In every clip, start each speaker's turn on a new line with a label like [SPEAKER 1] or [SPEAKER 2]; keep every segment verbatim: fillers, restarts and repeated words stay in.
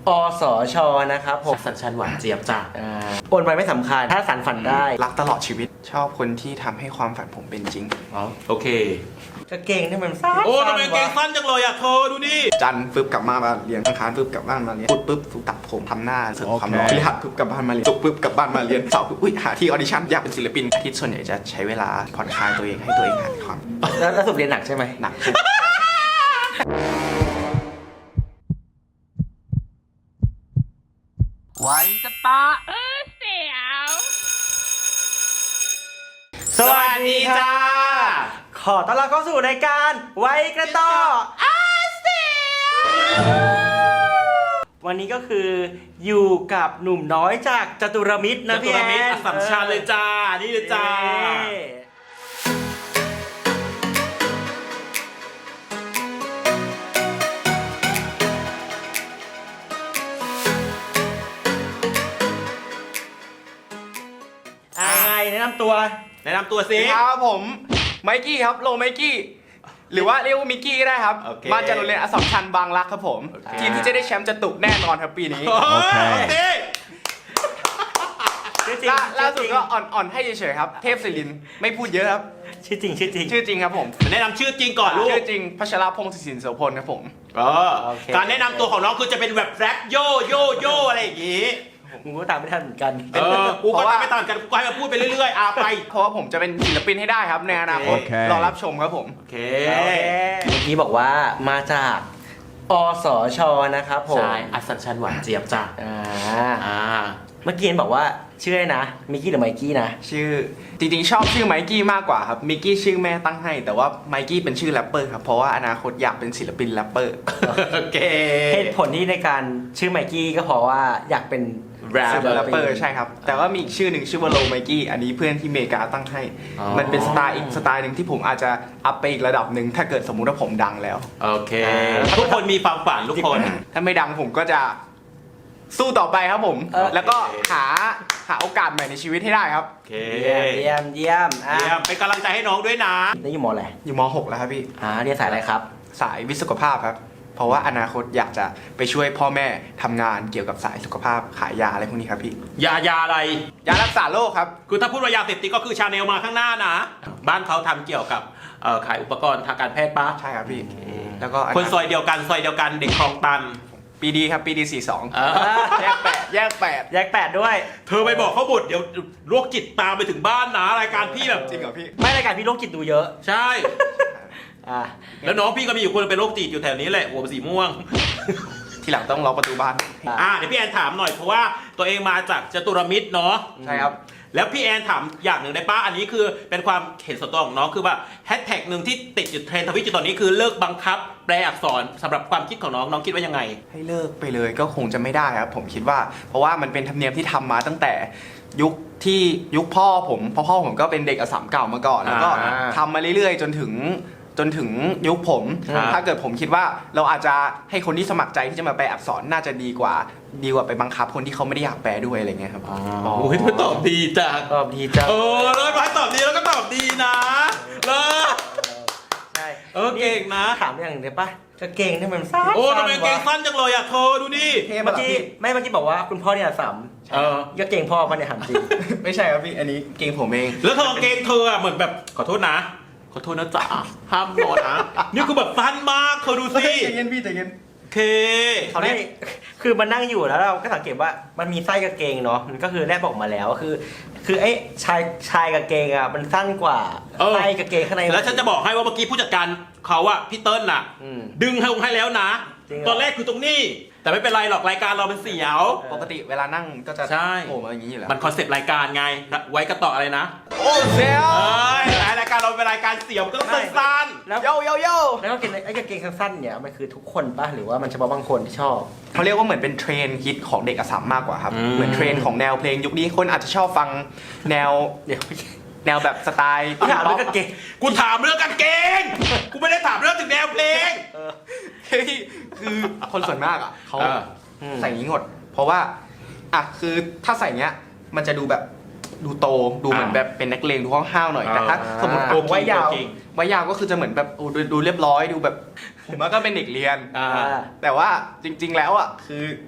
[SPEAKER 1] อสชนะครับผม
[SPEAKER 2] สัญชันหวานเจี๊ยบจ้ะ
[SPEAKER 1] โอนไปไม่สำคัญถ้าสานฝันได้
[SPEAKER 3] รักตลอดชีวิตชอบคนที่ทำให้ความฝันผมเป็นจริง
[SPEAKER 2] อ๋อโอเค
[SPEAKER 1] กางเกงนี่มันสั้น
[SPEAKER 2] โอ้ทำไมเกงสั้นจังเลยอ่ะเธอดูดิ
[SPEAKER 3] จันฟึบกลับมามาเรียนอังคารฟึบกลับบ้านมาเรียนพุธปึ๊บตัดผมทำหน้าเสริมความหล่อพฤหัสฟึบกลับบ้านมาเรียนศุกร์ฟึบกลับบ้านมาเรียนเสาร์ฟึบอุ้ยหาที่ออดิชั่นอยากเป็นศิลปินอาทิตย์ส่วนใหญ่จะใช้เวลาผ่อนคลายตัวเองให้ตัวเองหายความ
[SPEAKER 1] แล้วแล้วสุดเรียนหนักใช่ไหม
[SPEAKER 3] หนัก
[SPEAKER 2] ไว้จะปะเออเสียวสวัสดีจ้า
[SPEAKER 1] ขอต้อนรับเข้าสู่รายการไว้กระต่ออาเซียวันนี้ก็คืออยู่กับหนุ่มน้อยจากจตุรมิตรนะพี่แอน
[SPEAKER 2] อัสสัมชัญเลยจ้านี่เลยจ้า
[SPEAKER 1] แนะนำตัว
[SPEAKER 2] แนะนำตัวสิ
[SPEAKER 3] ครับผมไมกี้ครับโลไมกี้หรือว่าเรียกว่ามิกกี้ก็ได้ครับมาจากโรงเรียนอัสสัมชัญบางรักครับผมทีมที่จะได้แชมป์จะตุกแน่นอนครับปีนี้
[SPEAKER 2] โอเค
[SPEAKER 3] ล่าสุดก็อ่อนๆให้เฉยๆครับเทพศิรินทร์ไม่พูดเยอะครับ
[SPEAKER 1] ชื่อจริงชื่อจริง
[SPEAKER 3] ชื่อจริงครับผม
[SPEAKER 2] แนะนำชื่อจริงก่อนลูก
[SPEAKER 3] ชื่อจริงพัชรพงศ์ศิรินทร์โสพลครับผม
[SPEAKER 2] การแนะนำตัวของน้องคือจะเป็นแบบแรปโยโยโยอะไรอย่างงี้
[SPEAKER 1] มึงก็ตามไม่ทันเหมือนกัน
[SPEAKER 2] เออกูก็ตามไม่ทันเหมือนกันกูให้มาพูดไปเรื่อยๆอาไป
[SPEAKER 3] เพราะว่าผมจะเป็นศิลปินให้ได้ครับในอนาคตรอรับชมครับผม
[SPEAKER 2] โอเค
[SPEAKER 1] เมื่อกี้บอกว่ามาจากอสชนะครับผม
[SPEAKER 2] ใช่อัสสัมชัญหวานเจี๊ยบจ้ะ
[SPEAKER 1] อ่า
[SPEAKER 2] อ่า
[SPEAKER 1] เมื่อกี้บอกว่าชื่ออะไรนะมิกกี้หรือไมกี้นะ
[SPEAKER 3] ชื่อจริงๆชอบชื่อไมกี้มากกว่าครับมิกกี้ชื่อแม่ตั้งให้แต่ว่าไมกี้เป็นชื่อแรปเปอร์ครับเพราะว่าอนาคตอยากเป็นศิลปินแรปเปอร์
[SPEAKER 2] โอเค
[SPEAKER 1] เหตุผลที่ในการชื่อไมกี้ก็เพราะว่าอยากเป็น
[SPEAKER 3] แรปเปอร์ใช่ครับแต่ว่ามีอีกชื่อหนึ่งชื่อว่าโลไมกี้อันนี้เพื่อนที่อเมริกาตั้งให้มันเป็นสไตล์อีกสไตล์หนึ่งที่ผมอาจจะอัพไปอีกระดับหนึ่งถ้าเกิดสมมุติว่าผมดังแล้ว
[SPEAKER 2] โอเคทุกคนมีความฝันทุกคน
[SPEAKER 3] ถ้าไม่ดังผมก็จะสู้ต่อไปครับผมแล้วก็หาหาโอกาสใหม่ในชีวิตให้ได้ครับ
[SPEAKER 2] โอเค
[SPEAKER 1] เยี่ยมเยี่ยม
[SPEAKER 2] เยี่ยมเป็นกำลังใจให้น้องด้วยนะ
[SPEAKER 1] นี่อยู่ม.อะไร
[SPEAKER 3] อยู่ม.หกแล้วครับพี่
[SPEAKER 1] อ่าเรียนสายอะไรครับ
[SPEAKER 3] สายวิศวภาพครับเพราะว่าอนาคตอยากจะไปช่วยพ่อแม่ทำงานเกี่ยวกับสายสุขภาพขายยาอะไรพวกนี้ครับพี่
[SPEAKER 2] ยายาอะไร
[SPEAKER 3] ยารักษาโรคครับ
[SPEAKER 2] คือถ้าพูดว่ายาเสพติดก็คือชาแนลมาข้างหน้านะบ้านเขาทำเกี่ยวกับขายอุปกรณ์ทางการแพทย์ปะ
[SPEAKER 3] ใช่ครับพี่แล้วก็
[SPEAKER 2] คนซอยเดียวกันซอยเดียวกันเด็กคลองตัน
[SPEAKER 3] ปีดีครับปีดีสี่สองแยกแปดแยกแปด
[SPEAKER 1] แยกแปดด้วย
[SPEAKER 2] เธอไปบอกเขาบุตรเดี๋ยวโรคจิตตามไปถึงบ้านนะรายการพี่แบบ
[SPEAKER 3] จริงเหรอพี่
[SPEAKER 1] ไม่รายการพี่โรคจิตดูเยอะ
[SPEAKER 2] ใช่แล้วน้องพี่ก็มีอยู่คนเป็นโรคจิตอยู่แถวนี้แหละหัวสีม่วง
[SPEAKER 3] ทีหลังต้องล็อกประตูบ้าน
[SPEAKER 2] อ่าเดี๋ยวพี่แอนถามหน่อยเพราะว่าตัวเองมาจากจตุรมิตรเนาะ
[SPEAKER 3] ใช่ครับ
[SPEAKER 2] แล้วพี่แอนถามอย่างหนึ่งได้ป้าอันนี้คือเป็นความเห็นส่วนตัวของน้องคือว่าแฮชแท็กหนึ่งที่ติดอยู่เทรนด์ทวิตอยู่ตอนนี้คือเลิกบังคับแปลอักษรสำหรับความคิดของน้องน้องคิดว่ายังไง
[SPEAKER 3] ให้เลิกไปเลยก็คงจะไม่ได้ครับผมคิดว่าเพราะว่ามันเป็นธรรมเนียมที่ทำมาตั้งแต่ยุคที่ยุคพ่อผมพ่อพ่อผมก็เป็นเด็กอัสสัมเก่ามาก่อนแล้วก็ทำมาเรื่อยๆจนถึงจนถึงยุคผมถ้าเกิดผมคิดว่าเราอาจจะให้คนที่สมัครใจที่จะมาแปลอักษรน่าจะดีกว่าดีกว่าไปบังคับคนที่เขาไม่ได้อยากแปลด้วยอะไรเงี้ยครับ
[SPEAKER 2] อ๋อโอ้ยตอบดีจ้ะ
[SPEAKER 1] ตอบดีจ้ะ
[SPEAKER 2] เออเลยมาตอบดีแล้วก็ตอบดีนะเลย
[SPEAKER 1] ใช่
[SPEAKER 2] เออเก่งนะ
[SPEAKER 1] ถามอย่างหนึ่งได้ปะกางเกงนี่มันสั้น
[SPEAKER 2] โอ้ทำไมเกงสั้นจังเลยอ่ะเธอดูดิ
[SPEAKER 1] เมื่อกี้ไม่เมื่อกี้บอกว่าคุณพ่อเนี่ยสัม
[SPEAKER 2] เออ
[SPEAKER 1] ก็เกงพ่อมันเนี่ยหันจริง
[SPEAKER 3] ไม่ใช่ครับพี่อันนี้เกงผมเอง
[SPEAKER 2] แล้วเธอเกงเธอเหมือนแบบขอโทษนะขอโทษนะจ๊ะห้ามนอนนะนี่คือแบบสั้นมากเธอดูสิ
[SPEAKER 3] ใจเย็นพี่ใจเย็น
[SPEAKER 2] เค
[SPEAKER 1] เขาเนี่ยคือมันนั่งอยู่แล้วเราก็สังเกตว่ามันมีไส้กางเกงเนาะมันก็คือแลบออกมาแล้วคือคือไอ้ชายชายกางเกงอ่ะมันสั้นกว่าไส้กางเกงข้างใน
[SPEAKER 2] แล้วฉันจะบอกให้ว่าเมื่อกี้ผู้จัดการเขาอะพี่เติ้ลน่ะดึงให้ลงให้แล้วนะตอนแรกคือตรงนี้แต่ไม่เป็นไรหรอกรายการเราเป็นเสี่ยว
[SPEAKER 3] ปกติเวลานั่งก็จะ
[SPEAKER 2] โผ
[SPEAKER 3] ล่มาอย่างนี้อยู่แล้ว
[SPEAKER 2] มันคอนเซ็ปต์รายการไงไว้กระต่ออะไรนะ
[SPEAKER 3] โอ้เสี่ยว
[SPEAKER 2] รายการเราเป็นรายการเสี่ยวก็ต้องสั้น
[SPEAKER 1] ๆแล้ว
[SPEAKER 3] โยโยโย
[SPEAKER 1] แล้วก็เกงไอ้กางเกงสั้นๆเนี่ยมันคือทุกคนป่ะหรือว่ามันเฉพาะบางคนที่ชอบ
[SPEAKER 3] เขาเรียกว่าเหมือนเป็นเทรนด์ฮิตของเด็กอัสสัมมากกว่าครับเหมือนเทรนด์ของแนวเพลงยุคนี้คนอาจจะชอบฟังแนวเดี๋ยวแนวแบบสไตล์
[SPEAKER 1] กูถามเรื่องกางเกง
[SPEAKER 2] กูถามเรื่องกางเกงกูไม่ได้ถามเรื่องถึงแนวเพลง
[SPEAKER 3] คือคนส่วนมากอ่ะเขาใส่งี้หมดเพราะว่าอ่ะคือถ้าใส่เงี้ยมันจะดูแบบดูโตดูเหมือนแบบเป็นนักเลงดูห้าวๆหน่อยแต่ถ้าสมมติโกงไว้ยาวไว้ยาวก็คือจะเหมือนแบบดูเรียบร้อยดูแบบผมว่าก็เป็นเด็กเรียนแต่ว่าจริงๆแล้วอ่ะคือ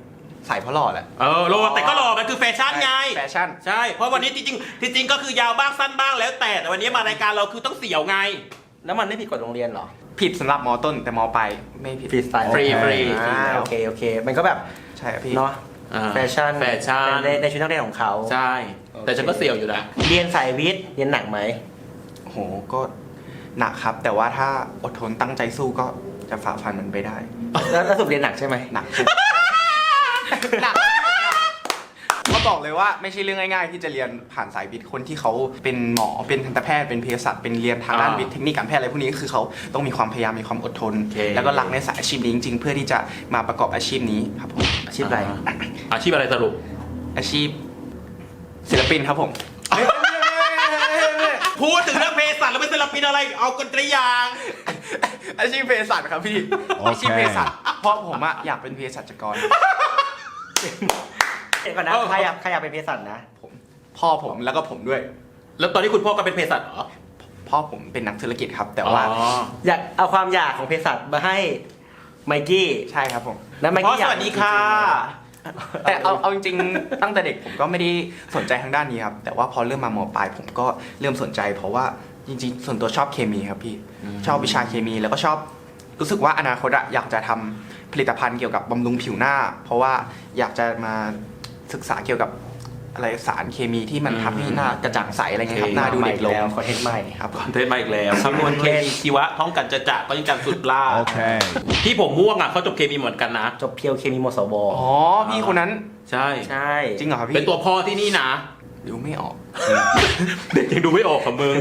[SPEAKER 3] ใส่เพราะหล่อแหละ
[SPEAKER 2] เออโลแต่ก็หล่อมันคือแฟชั่นไง
[SPEAKER 3] แฟชั่น
[SPEAKER 2] ใช่เพราะวันนี้จริงๆจริงๆก็คือยาวบ้างสั้นบ้างแล้วแต่แต่วันนี้มารายการเราคือต้องเสี่ยวไง
[SPEAKER 1] แล้วมันไม่ผิดกฎโรงเรียนเหรอ
[SPEAKER 3] ผิดสำหรับมต้นแต่มปลายไม่ผิด
[SPEAKER 1] ฟรีสไตล์
[SPEAKER 2] ฟรีฟรี
[SPEAKER 1] อ่าโอเคโอเค มันก็แบบ
[SPEAKER 3] ใช่ครับพี่
[SPEAKER 1] เนาะ
[SPEAKER 2] อ่า
[SPEAKER 1] แฟชั่น
[SPEAKER 2] แฟชั่น
[SPEAKER 1] ในในชุดนักเรียนของเขา
[SPEAKER 2] ใช่ แต่ฉันก็เสี่ยวอยู่นะ
[SPEAKER 1] เรียนสายวิทย์เรียนหนักไหม
[SPEAKER 3] โอ้โหก็หนักครับ แต่ว่าถ้าอดทนตั้งใจสู้ก็จะฝ่าฟันมันไปได้
[SPEAKER 1] แล้วแล้วสรุปเรียนหนักใช่ไหม
[SPEAKER 3] หนัก หนักก็บอกเลยว่าไม่ใช่เรื่องง่ายๆ ที่จะเรียนผ่านสายวิทย์คนที่เขาเป็นหมอเป็นทันตแพทย์เป็นเภสัชเป็นเรียนทางด้าน
[SPEAKER 2] อ่า
[SPEAKER 3] วิทย์เทคนิคการแพทย์อะไรพวกนี้คือเขาต้องมีความพยายามมีความอดทน
[SPEAKER 2] โอเค
[SPEAKER 3] แล้วก็รักในสายอาชีพนี้จริงๆ เพื่อที่จะมาประกอบอาชีพนี้ครับผม
[SPEAKER 1] อาชีพอะไร
[SPEAKER 2] อาชีพอะไรสรุป
[SPEAKER 3] อาชีพศิลปินครับผม
[SPEAKER 2] พูดถึงเรื่องเภสัชแล้วเป็นศิลปินอะไรเอากันตรียาง
[SPEAKER 3] อาชีพเภสัชครับพี่
[SPEAKER 4] โอเค
[SPEAKER 3] อาชีพเภสัชเพราะผมอะอยากเป็นเภสัชกร
[SPEAKER 1] เดี๋ยวก่อนนะ
[SPEAKER 2] เออ
[SPEAKER 1] ใครอยากใครอยากเป็นเภสัชนะ
[SPEAKER 3] ผมพ่อผมแล้วก็ผมด้วย
[SPEAKER 2] แล้วตอนนี้คุณพ่อก็เป็นเภสัชเหรอ
[SPEAKER 3] พ่อผมเป็นนักธุรกิจครับ แต่ว่า
[SPEAKER 2] อ๋อ
[SPEAKER 1] อยากเอาความอยากของเภสัชมาให้ไมกี้
[SPEAKER 3] ใช่ครับผม
[SPEAKER 1] แล้วไม
[SPEAKER 2] พ่อ
[SPEAKER 1] กี้อยาก
[SPEAKER 2] สวัสดีค่ะ
[SPEAKER 3] แต่เอาเอาจริงๆตั้งแต่เด็กผมก็ไม่ได้สนใจทางด้านนี้ครับ แต่ว่าพอเริ่มมามปลายผมก็เริ่มสนใจ เพราะว่าจริงๆ ส่วนตัวชอบเคมีครับพี่ชอบวิชาเคมี แล้วก็ชอบรู้สึกว่าอนาคตอะอยากจะทำผลิตภัณฑ์เกี่ยวกับบำรุงผิวหน้า เพราะว่าอยากจะมาศึกษาเกี่ยวกับอะไรสารเคมีที่มันทำให้หน้ากระจ่างใสอะไรเงี้ยครับหน้าดูเด็กลง
[SPEAKER 1] แล้วคอนเทนต์ใหม่
[SPEAKER 3] ครับ
[SPEAKER 2] คอนเทนต์มาอีกแล้วคำนวณเคมีชีวะท้องกันจะจะก็ยังกันสุดล่า
[SPEAKER 4] Okay.
[SPEAKER 2] ที่ผมม่วงอ่ะเขาจบเคมีเหมือนกันนะ
[SPEAKER 1] จบเพียวเคมีมสว
[SPEAKER 3] อ๋อพี่คนนั้น
[SPEAKER 2] ใช่
[SPEAKER 1] ใช่
[SPEAKER 3] จริงเหรอครับพี่
[SPEAKER 2] เป็นตัวพ่อที่นี่นะ
[SPEAKER 3] ดูไม่ออก
[SPEAKER 2] เด็กยังดูไม่ออกของมึง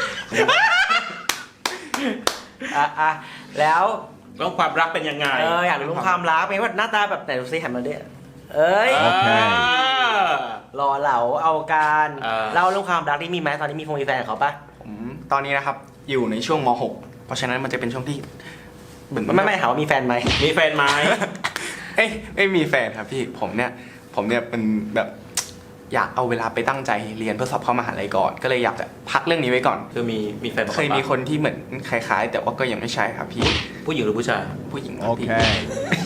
[SPEAKER 1] อ่ะอ่ะแล้ว
[SPEAKER 2] เรื่องความรักเป็นยังไง
[SPEAKER 1] เอออยากรู้ความรักเป็นว่าหน้าตาแบบไหนดูซิหันมาดิเอ้ย
[SPEAKER 4] โอเค
[SPEAKER 1] รอเหลาเอาการ
[SPEAKER 2] เออ
[SPEAKER 1] เล่าเรื่องความรักที่มีไหมตอนนี้มีคงมีแฟนกับเขาปะ
[SPEAKER 3] ผมตอนนี้นะครับอยู่ในช่วงม .หก เพราะฉะนั้นมันจะเป็นช่วงที่เหมือน
[SPEAKER 1] ไม่ไม่ถามว่ามีแฟนไหม
[SPEAKER 2] มีแฟนไหม
[SPEAKER 3] เอ้ยไม่มีแฟนครับพี่ผมเนี่ยผมเนี่ยเป็นแบบอยากเอาเวลาไปตั้งใจเรียนเพื่อสอบเข้ามหาลัยก่อน ก็เลยอยากจะพักเรื่องนี้ไว้ก่อน
[SPEAKER 2] คือมีมีแฟน
[SPEAKER 3] เคยมีคนที่เหมือนคล้ายๆ แต่ว่าก็ยังไม่ใช่ครับพี่
[SPEAKER 2] ผู้หญิงหรือผู้ชาย
[SPEAKER 3] ผู้หญิงครับพี่
[SPEAKER 4] Okay.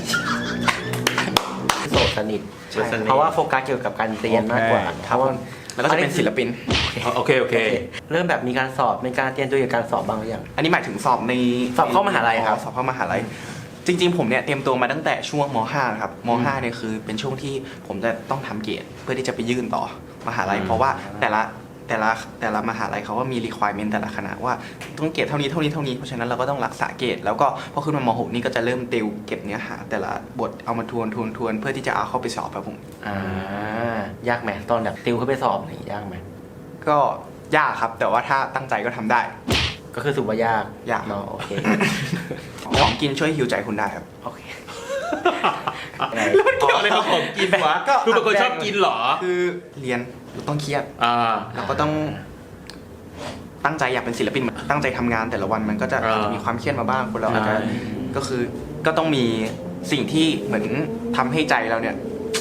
[SPEAKER 1] โสดสนิท
[SPEAKER 3] ใช่
[SPEAKER 1] เพราะว่าโฟกัสเกี่ยวกับการเรียนมากกว่า
[SPEAKER 4] โอเค
[SPEAKER 1] เพราะว่า
[SPEAKER 3] แล้วก็จะเป็นศิลปิน
[SPEAKER 2] โอเคโอเค
[SPEAKER 1] เริ่มแบบมีการสอบมีการเตรียมตัวเกี่ยวกับการสอบบ้างหรือยัง
[SPEAKER 3] อันนี้หมายถึงสอบใน
[SPEAKER 1] สอบเข้ามหาลัยครับ
[SPEAKER 3] อ๋อสอบเข้ามหาลัยจริง ๆ ผมเนี่ยเตรียมตัวมาตั้งแต่ช่วงม .ห้า ครับม .ห้า เนี่ยคือเป็นช่วงที่ผมจะต้องทำเกรดเพื่อที่จะไปยื่นต่อมหาลัย
[SPEAKER 2] อืม
[SPEAKER 3] เพราะว่าแต่ละแต่ละแต่ละมหาลัยเขาก็มี requirement แต่ละคณะว่าต้องเกรดเท่านี้เท่านี้เท่านี้เพราะฉะนั้นเราก็ต้องรักษาเกรดแล้วก็พอขึ้นมาม .หก นี่ก็จะเริ่มติวเก็บเนื้อหา แต่ละบทเอามาทวนทวนทวนเพื่อที่จะเอาเข้าไปสอบครับผม
[SPEAKER 1] อ่ายากไหมตอนแบบติวเข้าไปสอบนี่ยากไหม
[SPEAKER 3] ก็ยากครับ แต่ว่าถ้าตั้งใจก็ทำได้
[SPEAKER 1] ก็คือสุว่ายาก
[SPEAKER 3] ยาก
[SPEAKER 1] เนาะโอเค
[SPEAKER 3] ของกินช่วยฮิวใจคุณได้ครับ
[SPEAKER 1] โอเค
[SPEAKER 2] แล้วมันเกี่ยวอะไรกับของกินวะ
[SPEAKER 3] ก็
[SPEAKER 2] คือเป็นคนชอบกินเหรอ
[SPEAKER 3] คือเรียนเราต้องเครียด
[SPEAKER 2] อ่า
[SPEAKER 3] เราก็ต้องตั้งใจอยากเป็นศิลปินตั้งใจทำงานแต่ละวันมันก็จะ
[SPEAKER 2] อ่า
[SPEAKER 3] อาจจะมีความเครียดมาบ้างคนเราอาจจะ
[SPEAKER 2] ใช่
[SPEAKER 3] ก็คือก็ต้องมีสิ่งที่เหมือนทำให้ใจเราเนี่ย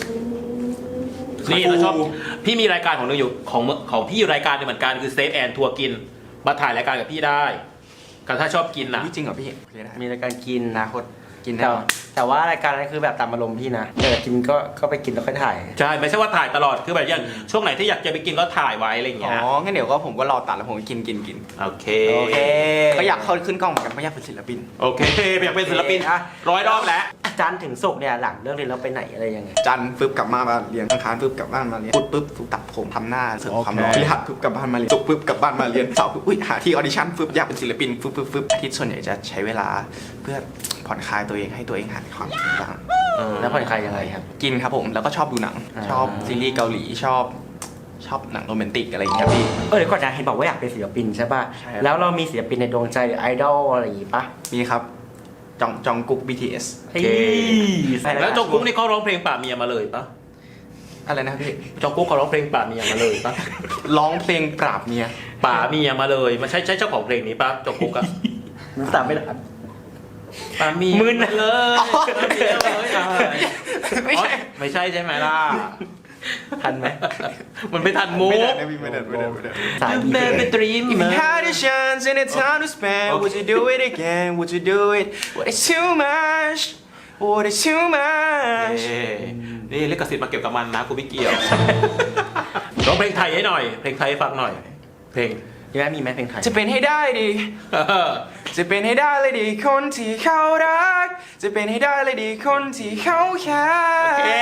[SPEAKER 2] นี่เราชอบพี่มีรายการของหนึงอยู่ของของพี่อยู่รายการหนึงเหมือนกันคือเซฟแอนทัวร์กินมาถ่ายรายการกับพี่ได้กันถ้าชอบกินนะ
[SPEAKER 3] พี่จริงเหรอพี่เรียนได้
[SPEAKER 1] มีรายการกิน
[SPEAKER 3] อนาคตกิน
[SPEAKER 1] แต่
[SPEAKER 3] แน่นอน
[SPEAKER 1] แต่ว่ารายการนั้นคือแบบตามอารมณ์พี่นะแต่กินก็ก็ไปกินแล้วค่อยถ่าย
[SPEAKER 2] ใช่ไม่ใช่ว่าถ่ายตลอดคือแบบอย่างช่วงไหนที่อยากจะไปกินก็ถ่ายไว้อะไรอย่าง
[SPEAKER 3] อ๋
[SPEAKER 2] เงี้ย
[SPEAKER 3] องั้นเดี๋ยวก็ผมก็รอตัดแล้วผมก็กินกินกิน
[SPEAKER 2] โอเค
[SPEAKER 1] โอเค
[SPEAKER 3] ก็อยากเข้าขึ้นกล้องเหมือนกันเพราะอยากเป็นศิลปิน
[SPEAKER 2] โอเคอยากเป็นศิลปิน
[SPEAKER 1] อ่ะ
[SPEAKER 2] ร้อยรอบแล้ว
[SPEAKER 1] จันทร์ถึงศุกร์เนี่ยหลังเลิกเรียนเราไปไหนอะไรยังไง
[SPEAKER 3] จันทร์ปึ๊บกลับมาบ้านเรียนอังคารปึ๊บกลับบ้านมาเรียนพุธปึ๊บฝึกตัดผมทำหน้าเสริมความหล่อ
[SPEAKER 4] โอเค
[SPEAKER 3] พฤหัสปึ๊บกลับบ้านมาเรียนศุกร์ปึ๊บกลับบ้านมาเรียนเสาร์ปึ๊บอุ้ยหาที่ออดิชั่นปึ๊บอยากเป็นศิลปินปึ๊บปึ๊บปึ๊บอาทิตย์ส่วนใหญ่จะใช้เวลาเพื่อผ่อนคลายตัวเองให้ตัวเองหายความคิดบ้าง
[SPEAKER 1] แล้วผ่อนคลายยังไงครับ
[SPEAKER 3] กินครับผมแล้วก็ชอบดูหนัง
[SPEAKER 1] อ่า
[SPEAKER 3] ชอบซีรีส์เกาหลีชอบชอบหนังโรแมนติกอะไรอย่างเงี้ยพี่
[SPEAKER 1] เออเดี๋ยวก่อนนะเห็นบอกว่าอยากเป็นศิลปินใช่ป่ะ
[SPEAKER 3] ใช่ครับ
[SPEAKER 1] แล้วเรามีศิลปินในดวงใจหรือไอดอลอะไรอย่างงี้ป่ะ
[SPEAKER 3] มีครับจองจองกุ๊ก บี ที เอส
[SPEAKER 1] เฮ้ย
[SPEAKER 2] แล้วจงกุ๊กนี่เขาร้องเพลงป่าเมียมาเลยปะ
[SPEAKER 3] อะไรนะพี่
[SPEAKER 2] จงกุ๊กเขาร้องเพลงป่าเมียมาเลยปะ
[SPEAKER 3] ร้องเพลงปราบเมีย
[SPEAKER 2] ป่าเมียมาเลยมันใช่ใช่เจ้าของเพลงนี้ปะจงกุ๊กอะ
[SPEAKER 1] มึงตามไม่ทัน
[SPEAKER 2] ป่าเมีย
[SPEAKER 1] มึน
[SPEAKER 2] มาเลยป่าเมียมาเลยอ่ะ
[SPEAKER 3] ไม่ใช่
[SPEAKER 2] อ๋อไม่ใช่ใช่ไหมล่ะ
[SPEAKER 1] ทันไหม
[SPEAKER 2] มันไม่ทันมุก
[SPEAKER 3] ไม่ได้นะพี่ไม่ได้ไม่ได้ไม่ได้
[SPEAKER 1] สาย
[SPEAKER 2] เดินไปตรีม
[SPEAKER 3] If you had a chance and a time to spend, would you do it again? Would you do it? What is too much? What is too much
[SPEAKER 2] เอ้นี่ลิขสิทธิ์มาเก็บกับมันนะกูไม่เกี่ยว ร้องเพลงไทยให้หน่อย เพลงไทยให้ฟังหน่อย เพลง
[SPEAKER 1] ยังไงมีไหมเพลงไทย
[SPEAKER 3] จะเป็นให้ได้ดิ จะเป็นให้ได้เลยดิคนที่เขารัก จะเป็นให้ได้เลยดิคนที่เขาแค่
[SPEAKER 2] เอ๊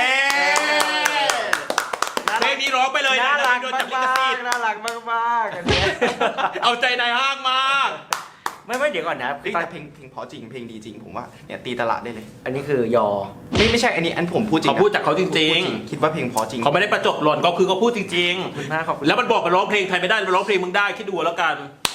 [SPEAKER 2] เพลงนี้ร้องไปเลยนะ
[SPEAKER 1] น่ารัก
[SPEAKER 2] โดน
[SPEAKER 1] มา
[SPEAKER 2] จับลิขสิ
[SPEAKER 1] ก
[SPEAKER 2] ทธิ์
[SPEAKER 1] ๆน่ารักมากๆอันเนี้ย
[SPEAKER 2] เอาใจนายห้างมาก
[SPEAKER 1] ไม่ไม่เดี๋ยวก่อนนะ
[SPEAKER 3] เฮ้ยแต่เพลงเพลงเพราะจริงเพลงดีจริงผมว่าเนี่ยตีตลาดได้เลย
[SPEAKER 1] อันนี้คือยอ
[SPEAKER 3] ไม่ไม่ใช่อันนี้อันผมพูดจริง
[SPEAKER 2] เขา
[SPEAKER 3] นะ
[SPEAKER 2] พูดจากเขาจริง
[SPEAKER 3] พูดคิดว่าเพลงเพราะจริง
[SPEAKER 2] ๆ เขาไม่ได้ประจบหล่นก็คือเขาพูดจริง
[SPEAKER 1] ขอบคุณมากขอบคุณ
[SPEAKER 2] ๆ แล้วมันบอกกันร้องเพลงไทยไม่ได้มันร้องเพลงมึงได้คิดดูแล้วกัน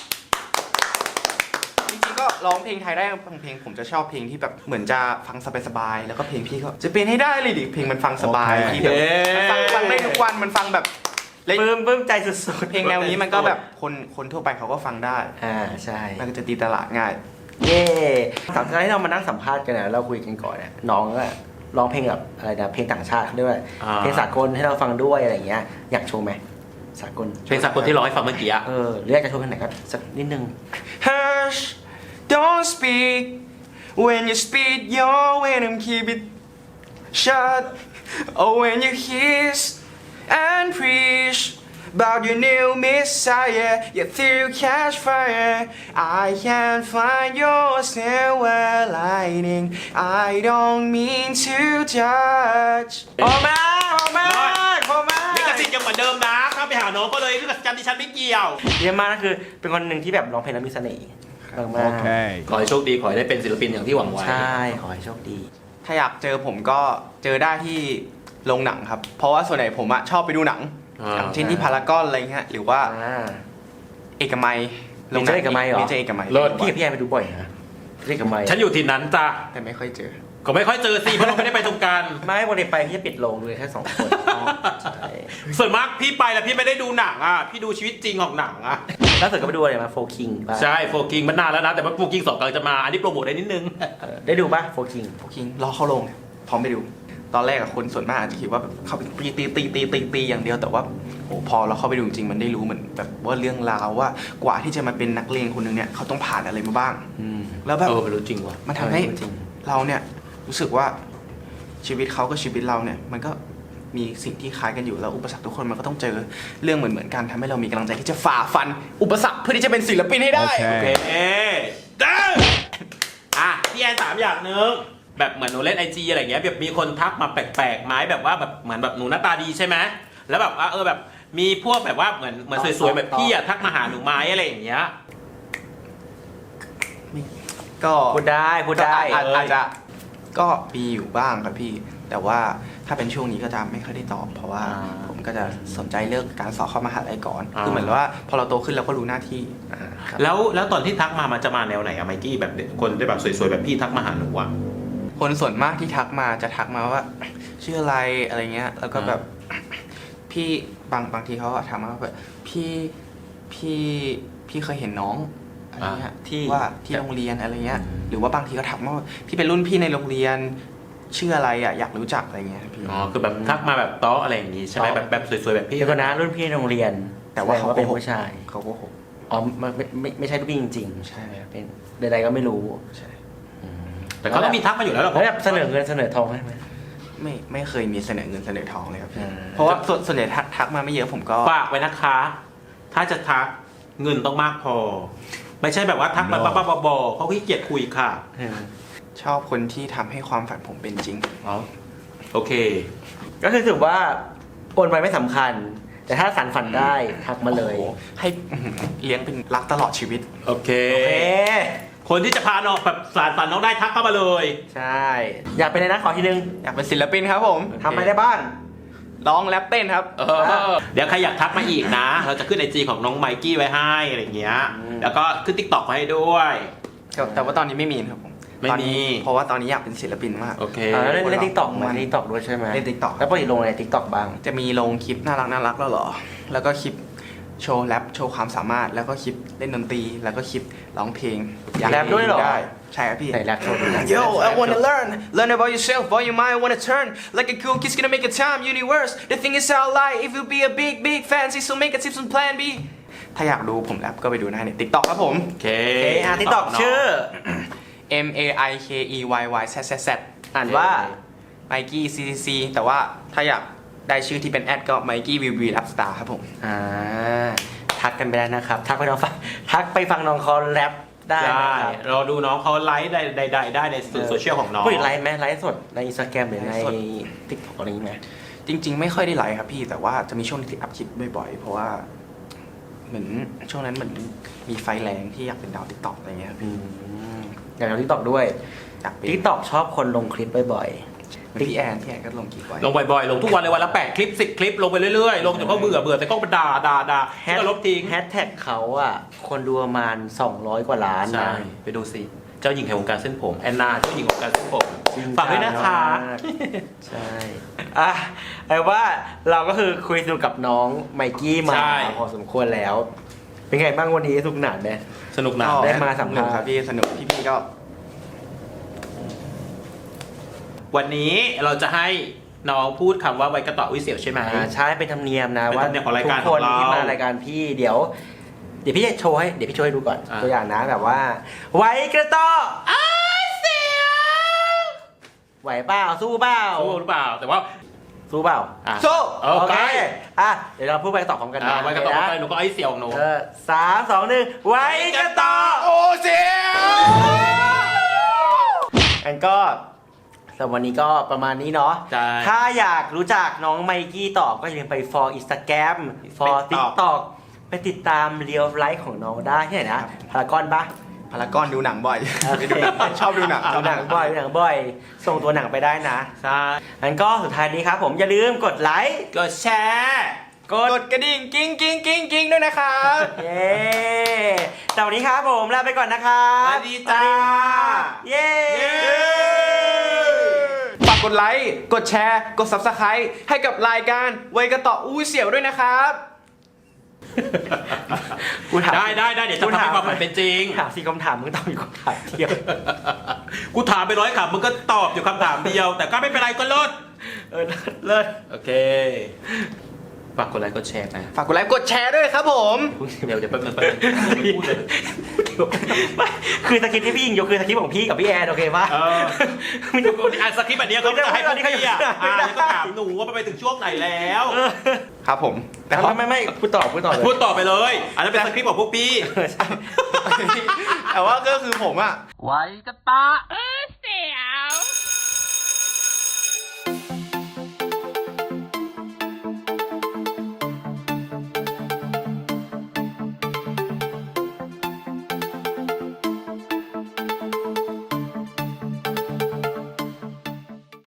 [SPEAKER 3] จริงๆก็ร้องเพลงไทยได้บางเพลงผมจะชอบเพลงที่แบบเหมือนจะฟังสบายๆแล้วก็เพลงพี่ก็จะเป็นให้ได้เลยดิเพลงมันฟังสบาย
[SPEAKER 1] โอเค
[SPEAKER 3] ที่แบบมันฟังฟังได้ทุกวันมันฟังแบบเล่น
[SPEAKER 1] ปลื้มปลื้มใจสุดๆ
[SPEAKER 3] เพลงแนวนี้มันก็แบบคนคนทั่วไปเขาก็ฟังได้
[SPEAKER 1] อ่าใช่
[SPEAKER 3] มันก็จะตีตลาดง่าย
[SPEAKER 1] เย่ตอนที่เรามานั่งสัมภาษณ์กันนะเราคุยกันก่อนเนี่ยน้องก็ร้องเพลงแบบอะไรนะเพลงต่างชาติด้วย
[SPEAKER 2] อ่า
[SPEAKER 1] เพลงสากลให้เราฟังด้วยอะไรอย่างเงี้ยอยากโชว์ไหมสากล
[SPEAKER 2] เพลงสากลที่ร้องให้ฟังเมื่อกี้อะ
[SPEAKER 1] เออหรืออยากจะโชว์เพลงไหนก็สักนิดนึง
[SPEAKER 3] Hush don't speak when you speak your venom keep it shut oh when you hiss and preach about your new messiah you through catch fire I can't find your silver lining I don't mean to judge
[SPEAKER 1] พอมากพอมากพอมาก
[SPEAKER 2] ลิขสิทธิ์ยังเหมือนเดิมนะเข้าไปหาน้องก็เลยลิขสิทธิ์ดิฉันไม่เกี่ยว
[SPEAKER 1] เยี่ยมมากนะคือเป็นคนหนึ่งที่แบบร้องเพลงแล้วมีเสน่ห์มากๆ
[SPEAKER 2] ขอให้โชคดีขอให้ได้เป็นศิลปินอย่างที่หวังไว้
[SPEAKER 1] ใช่ขอให้โชคดี
[SPEAKER 3] ถ้าอยากเจอผมก็เจอได้ที่โรงหนังครับ เพราะว่าส่วนใหญ่ผมอะชอบไปดูหนัง
[SPEAKER 2] อ่า
[SPEAKER 3] อย่างเช่นที่พารากอนอะไรเงี้ยหรือว่า
[SPEAKER 1] อ่า
[SPEAKER 3] เอกมัย
[SPEAKER 1] เมเจอร์เอกมัยเหรอ
[SPEAKER 3] เมเจอร์เอกมัย
[SPEAKER 2] เลิศ
[SPEAKER 1] พี่กับพี่แอนไปดูบ่อยนะเรียกกันไหม
[SPEAKER 2] ฉันอยู่ที่นั้นจ้ะ
[SPEAKER 3] แต่ไม่ค่อยเจอ
[SPEAKER 2] ก็ไม่ค่อยเจอสิเพราะเราไม่ได้ไปตรงกัน
[SPEAKER 1] ไม่วันนี้ไปพี่จะปิดโรงดูแค่สองคนใช่
[SPEAKER 2] ส่วนมากพี่ไปแล้วพี่ไม่ได้ดูหนังอ่ะพี่ดูชีวิตจริงของหนังอ่ะ
[SPEAKER 1] ล่าสุดก็ไปดูอะไรมาโฟคิงป่ะ
[SPEAKER 2] ใช่โฟกิงมันนานแล้วนะ แต่ว่าโฟกิงสองกำลังจะมา อันนี้โปรโมทได้นิดนึง
[SPEAKER 1] เออได้ดูป่ะโฟคิง
[SPEAKER 3] พวกคิงรอเข้าโรงเนี่ยพร้อมไปดู ตอนแรกอะคนส่วนมากอาจจะคิดว่าแบบเข้าไปตีตีตีตีตีตีอย่างเดียวแต่ว่าโอ้พอเราเข้าไปดูจริงๆมันได้รู้เหมือนแบบว่าเรื่องราวว่ากว่าที่จะมาเป็นนักเลงคนหนึงเนี่ยเขาต้องผ่านอะไรมาบ้าง
[SPEAKER 1] อืม
[SPEAKER 3] แล้วแบบ
[SPEAKER 2] เออไม่รู้จริงว่ะ
[SPEAKER 3] มันทำให้
[SPEAKER 1] เออจริง
[SPEAKER 3] เราเนี่ยรู้สึกว่าชีวิตเขากับชีวิตเราเนี่ยมันก็มีสิ่งที่คล้ายกันอยู่แล้วอุปสรรคทุกคนมันก็ต้องเจอเรื่องเหมือนเหมือนๆกันทำให้เรามีกำลังใจที่จะฝ่าฟัน อุปสรรคเพื่อที่จะเป็นศิลปินให้ได้
[SPEAKER 2] โอเคเด้ออ่ะพี่แอนถามอย่างหนึงแบบเหมือนหนูเล่นไอจีอะไรเงี้ยแบบมีคนทักมาแปลกๆไหมแบบว่าแบบเหมือนแบบหนูหน้าตาดีใช่ไหมแล้วแบบว่าเออแบบมีพวกแบบว่าเหมือนเหมือนสวยๆแบบพี่อะทักมาหาหนูไหมอะไรอย่างเงี้ย
[SPEAKER 3] ก็
[SPEAKER 1] พูดได้พูดได้
[SPEAKER 3] ก็อาจ
[SPEAKER 2] เอออ
[SPEAKER 3] อาจจะก็มีอยู่บ้างครับพี่ แต่ว่าถ้าเป็นช่วงนี้ก็จะไม่ค่อยได้ตอบ เพราะว่า
[SPEAKER 1] อ่า
[SPEAKER 3] ผมก็จะสนใจเรื่องการสอบเข้ามหาลัยก่อน
[SPEAKER 2] อ่า
[SPEAKER 3] คือเหมือนว่าพอเราโตขึ้นเราก็รู้หน้าที่อ่าครับ
[SPEAKER 2] แล้วแล้วตอนที่ทักมามันจะมาแนวไหนอะไมกี้แบบคนที่แบบสวยๆแบบพี่ทักมาหาหนูอะ
[SPEAKER 3] คนส่วนมากที่ทักมาจะทักมาว่า ชื่ออะไรอะไรเงี้ย แล้วก็แบบพี่บางบางทีเขาอะถามมาว่าแบบพี่พี่พี่เคยเห็นน้องอะไรเงี้ย
[SPEAKER 1] ที่
[SPEAKER 3] ว่าที่โรงเรียนอะไรเงี้ย หรือว่าบางทีก็ถามว่าพี่เป็นรุ่นพี่ในโรงเรียนชื่ออะไรอะอยากรู้จักอะไรเงี้ยพี่
[SPEAKER 2] อ๋อคือแบบทักมาแบบต้ออะไรอย่างงี้ใช่ไหม
[SPEAKER 3] ต้อ
[SPEAKER 2] แบบแบบสวยๆแบบพี่
[SPEAKER 1] เดี๋ยวก่อนนะรุ่นพี่ในโรงเรียน
[SPEAKER 3] แต่ว่า
[SPEAKER 1] สดง
[SPEAKER 3] เขา
[SPEAKER 1] เป็น
[SPEAKER 3] โกหก
[SPEAKER 1] ผู้ชาย
[SPEAKER 3] เขาก็หก
[SPEAKER 1] อ๋อไม่ไม่ไม่ไม่ใช่รุ่นพี่จริงๆ
[SPEAKER 3] ใช่
[SPEAKER 1] เป็นใดๆก็ไม่รู้
[SPEAKER 3] ใช่
[SPEAKER 2] แต่เขาต้องมีทักมาอยู่แล้วหรอ
[SPEAKER 1] แล้วแบบเสนอเงินเสนอทองให้ไหม
[SPEAKER 3] ไม่ไม่เคยมีเสนอเงินเสนอทองเลยครับพี่
[SPEAKER 1] อ่า
[SPEAKER 3] เพราะว่าส่วนส่วนใหญ่ทักทักมาไม่เยอะผมก็
[SPEAKER 2] ฝากไว้นะคะ ถ้าจะทักเงินต้องมากพอ ไม่ใช่แบบว่าทักไปบ้าๆบอๆเขาขี้เกียจคุยค่ะ
[SPEAKER 1] เออ
[SPEAKER 3] ชอบคนที่ทำให้ความฝันผมเป็นจริง
[SPEAKER 2] อ๋อโอเค
[SPEAKER 1] ก็คือถือว่าโอนไปไม่สำคัญ แต่ถ้าสันฝันได้ทักมาเลย
[SPEAKER 3] โอ้โหให้อื้อหือเลี้ยงเป็นรักตลอดชีวิต
[SPEAKER 2] โอเค
[SPEAKER 1] โอเค
[SPEAKER 2] คนที่จะพาน้องแบบสารฝันน้องได้ทักเข้ามาเลย
[SPEAKER 1] ใช่ อยากเป็นอะไรนะขอทีนึง
[SPEAKER 3] อยากเป็นศิลปินครับผม
[SPEAKER 1] ทำอะไรได้บ้าง
[SPEAKER 3] ร้องแรปเต้นครับ
[SPEAKER 2] เออเดี๋ยวใครอยากทักมาอีกนะ เราจะขึ้นไอจีของน้องไมกี้ไว้ให้อะไรอย่างเงี้ย
[SPEAKER 1] อืม
[SPEAKER 2] แล้วก็ขึ้นทิกตอกไว้ให้ด้วย
[SPEAKER 3] แต่แต่ว่าตอนนี้ไม่มีครับผม
[SPEAKER 2] ไม่มี
[SPEAKER 3] ตอนนี้เพราะว่าตอนนี้อยากเป็นศิลปินมาก
[SPEAKER 2] โอเค
[SPEAKER 1] อ่าแล้วเล่น
[SPEAKER 3] คน
[SPEAKER 1] เล่น
[SPEAKER 3] เรา
[SPEAKER 1] ทิกตอกมา
[SPEAKER 3] มัน
[SPEAKER 1] ทิกตอกด้วยใช่ไหม
[SPEAKER 3] เล่น TikTok
[SPEAKER 1] แล้วปกติลงอะไรทิกตอกบ้าง
[SPEAKER 3] จะมีลงคลิปน่ารักน่ารักแล้วเหรอ แล้วก็คลิปโชว์แรปโชว์ความสามารถ แล้วก็คลิปเล่นดนตรี แล้วก็คลิปร้องเพลงอยาก
[SPEAKER 1] แรปด้วยเหรอ
[SPEAKER 3] ได้ใช่ครับพี่
[SPEAKER 1] ไหนแรปโชว์ดู
[SPEAKER 3] Yo, I wanna learn, learn about yourself, while your mind wanna turn like a cool kid's gonna make a time universe. The thing is our life, if you be a big, big fancy, so make a tips on plan B. ถ้าอยากดูผมแรปก็ไปดูได้ใน TikTok ครับผม
[SPEAKER 2] โอเค
[SPEAKER 1] โอเคอ่ะทิกตอกชื่อ
[SPEAKER 3] M A I K E Y Y Z Z Z
[SPEAKER 1] อ่านว่า
[SPEAKER 3] Mikey ซี ซี ซี แต่ว่าถ้าอยากได้ชื่อที่เป็นแอดก็ Mikey V V Rap Star ครับผม
[SPEAKER 1] อ่าทักกันไปได้นะครับ ทักไปน้องฟังทักไปฟังน้องเขาแรปได้
[SPEAKER 2] ได้
[SPEAKER 1] นะครับ
[SPEAKER 2] เราดูน้องเขาไลฟ์ได้ได้ได้ได้ในสื่อโซเชียลของน้อง
[SPEAKER 1] พูดถึงไลฟ์ไหมไลฟ์สดในอินสตาแกรมหรือใน
[SPEAKER 3] ไลฟ์สด
[SPEAKER 1] ทิกตอกอะไรอย่างงี้ไหม
[SPEAKER 3] จริง ๆ ไม่ค่อยได้ไลฟ์ครับพี่ แต่ว่าจะมีช่วงที่อัพคลิปบ่อยๆ เพราะว่าเหมือนช่วงนั้นเหมือนมีไฟแรงที่อยากเป็นดาวติ๊กต็อกอะไรเงี้ยครับ
[SPEAKER 1] อื
[SPEAKER 3] พี่
[SPEAKER 1] มอย่างเราทิกตอกด้วย
[SPEAKER 3] อยากเป็น
[SPEAKER 1] ทิกตอกชอบคนลงคลิปบ่อย
[SPEAKER 3] พี่แอนพี่แอนก็ลงกี่ไว้
[SPEAKER 2] ลงบ่อยๆ ลงทุกวันเลยวันละแปดคลิปสิบคลิปลงไปเรื่อยๆ ลงจนเขาเบื่อเบื่อแต่ก็มาด่าด่าด่า
[SPEAKER 1] ๆ
[SPEAKER 2] แล้วก็ลบทิ้ง
[SPEAKER 1] แฮชแท็กเขาอ่ะ คนดูประมาณสองร้อยกว่าล้าน
[SPEAKER 2] ใช่
[SPEAKER 1] นะ
[SPEAKER 2] ไปดูสิ เจ้าหญิงแห่งวงการเส้นผมแอนนาเจ้าหญิงของวงการเส้นผม
[SPEAKER 1] จริง
[SPEAKER 2] ฝากด้วยนะคะ
[SPEAKER 1] มากใช่ อ่ะแต่ว่าเราก็คือคุยสนุกกับน้องไมกี้มา
[SPEAKER 2] ใช่
[SPEAKER 1] พอสมควรแล้ว เป็นไงบ้างวันนี้สนุกหนาไหม
[SPEAKER 2] สนุกนะ
[SPEAKER 1] ได้มาสัมภาษณ์
[SPEAKER 3] สนุกครับพี่สนุกพี่ๆก็
[SPEAKER 2] วันนี้เราจะให้น้องพูดคำว่าไว้กระต่อวิเศษใช่ไหม
[SPEAKER 1] อ่าใช่เป็นธรรมเนียมนะ
[SPEAKER 2] เป็น
[SPEAKER 1] ว่า
[SPEAKER 2] ธรรมเนียมของรายการ
[SPEAKER 1] ทุกคน
[SPEAKER 2] ของเรา
[SPEAKER 1] ที่มารายการพี่เดี๋ยว เดี๋ยวพี่จะโชว์ให้เดี๋ยวพี่โชว์ให้ดูก่อน
[SPEAKER 2] อ่า
[SPEAKER 1] ตัวอย่างนะแบบว่า ไว้กระต่ออ้าเสียงไหวเปล่าสู้เปล่า
[SPEAKER 2] รู้หรือเปล่า แต่ว่า
[SPEAKER 1] สู้เปล่า
[SPEAKER 2] อ่ะ
[SPEAKER 3] สู้
[SPEAKER 2] โอเค
[SPEAKER 1] อ่ะเดี๋ยวเราพูดไปต่อพร้อมกัน
[SPEAKER 2] อ่ะ
[SPEAKER 1] นะ
[SPEAKER 2] ไว้กระต่อ
[SPEAKER 1] โเค
[SPEAKER 2] ไปหนูก็ไอ้เสี่ยวของหนู
[SPEAKER 1] เออสามสองหนึ่งไว้กระต่อ
[SPEAKER 3] โอ้เสียว
[SPEAKER 1] อันก็สำหรับวันนี้ก็ประมาณนี้เนาะ
[SPEAKER 2] ใช่
[SPEAKER 1] ถ้าอยากรู้จักน้องไมกี้ต่อก็อย่าลืมไป for Instagram for
[SPEAKER 2] TikTok
[SPEAKER 1] TikTok ไปติดตามเรียลไลฟ์ของน้องได้ที่ไหนนะพารากอนปะ
[SPEAKER 3] พารากอนดูหนังบ่อยไปดูหนังชอบดูหนัง
[SPEAKER 1] ดูหนังบ่อยดูหนังบ่อย ส่งตัวหนังไปได้นะ
[SPEAKER 2] ใช่
[SPEAKER 1] อันก็สุดท้ายนี้ครับผมอย่าลืมกดไลค์
[SPEAKER 2] กดแชร์
[SPEAKER 1] กด
[SPEAKER 3] กดกระดิ่งกิ้งกิ้งกิ้งกิ้งด้วยนะครับ
[SPEAKER 1] เย้แต่วันนี้ครับผมลาไปก่อนนะครับ
[SPEAKER 2] สวัสดีจ้า
[SPEAKER 1] เย้
[SPEAKER 3] ฝากกดไลค์ กดแชร์ กด Subscribe ให้กับรายการไวยกระต่ออู้เสี่ยวด้วยนะครับ
[SPEAKER 1] กูถาม
[SPEAKER 2] ได้ได้ได้เดี๋ยวจะทำให้ความฝันเป็นจริง
[SPEAKER 1] ถามสี่คำถามมึงตอบอยู่คำถามเดียว
[SPEAKER 2] กูถามไปร้อยคำมึงก็ตอบอยู่คำถามเดียว แต่ก็ไม่เป็นไรก็เลิศ
[SPEAKER 1] เออเลิศ
[SPEAKER 2] โอเค ฝากกดไลค์กดแชร์นะ
[SPEAKER 3] ฝากกดไลค์ กดแชร์ด้วยครับผม
[SPEAKER 2] เดี๋ยวเดี๋ยวแป๊บนึงแป๊บนึงไม่พูดเลย
[SPEAKER 1] ไม่คือสคริปต์ที่พี่ยิงยกคือสคริปต์ของพี่กับพี่แอนโอเคป่ะ
[SPEAKER 2] เออมึงจะอ่านสคริปต์แบบนี้เขาจะให้พวกพี่อ่ะ
[SPEAKER 1] ไม่
[SPEAKER 2] อ่า
[SPEAKER 1] ได้
[SPEAKER 2] นก็ถามหนูว่ามันไปถึงช่วงไหนแล้ว
[SPEAKER 3] ครับผม แต่
[SPEAKER 1] แต่
[SPEAKER 3] ว่า
[SPEAKER 1] ไม่ไม่ไม่พูดต่อพูดต่อเลย
[SPEAKER 2] พูดต่อไปเลย อันนั้นเป็นสคริปต์ของพวกพี่
[SPEAKER 1] เออใช่
[SPEAKER 3] แต่ว่าก็คือผมอะ
[SPEAKER 2] ไว้กระตาเอ